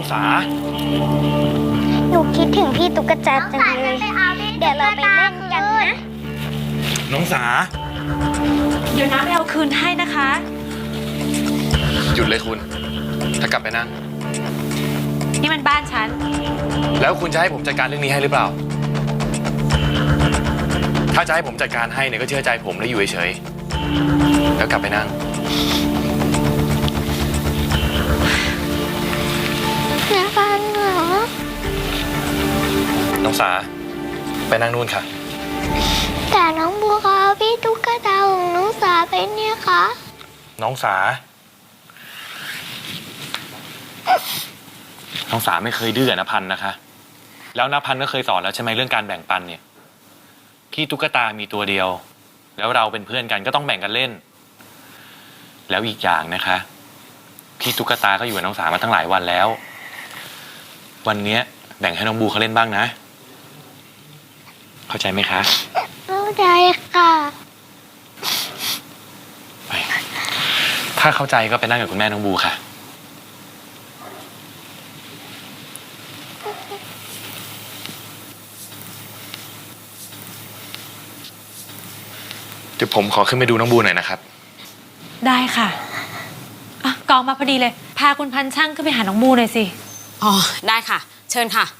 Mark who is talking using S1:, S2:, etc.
S1: สา
S2: หนูคิดถึงพี่ตุ๊กตาจังเลยเดี๋ยวเราไปเล่นกันนะ
S1: น้องสา
S3: เดี๋ยวน้าไปเอาคืนให้นะคะ
S1: หยุดเลยคุณถ้ากลับไปนั่ง
S3: นี่มันบ้านฉัน
S1: แล้วคุณจะให้ผมจัดการเรื่องนี้ให้หรือเปล่า ถ้าจะให้ผมจัดการให้เนี่ยก็เชื่อใจผมและอยู่เฉยๆแล้วกลับไปนั่ง
S2: นะฟันเหรอ
S1: น้องสาไปนั่งนู่นค่ะ
S2: แต่น้องบัวเขาเอาพี่ตุ๊กตาของน้องสาไปเนี่ยคะ
S1: น้องสา น้องสาไม่เคยดื้อกับณพันธ์นะคะ แล้วณพันธ์ก็เคยสอนแล้วใช่ไหมเรื่องการแบ่งปันเนี่ยพี่ตุ๊กตามีตัวเดียว แล้วเราเป็นเพื่อนกันก็ต้องแบ่งกันเล่น แล้วอีกอย่างนะคะพี่ตุ๊กตาก็อยู่กับน้องสามาตั้งหลายวันแล้ว วันเนี้ยแบ่งให้น้องบูเขาเล่นบ้างนะ เข้าใจไหมคะ
S2: เข้าใจค่ะ
S1: ไปถ้าเข้าใจก็ไปนั่งกับคุณแม่น้องบูค่ะ เดี๋ยวผมขอขึ้นไปดูน้องบูหน่อยนะครับ
S3: ได้ค่ะอ่ะกองมาพอดีเลย พาคุณพันช่างขึ้นไปหาน้องบูหน่อยสิ
S4: อ๋อ ได้ค่ะ เชิญค่ะ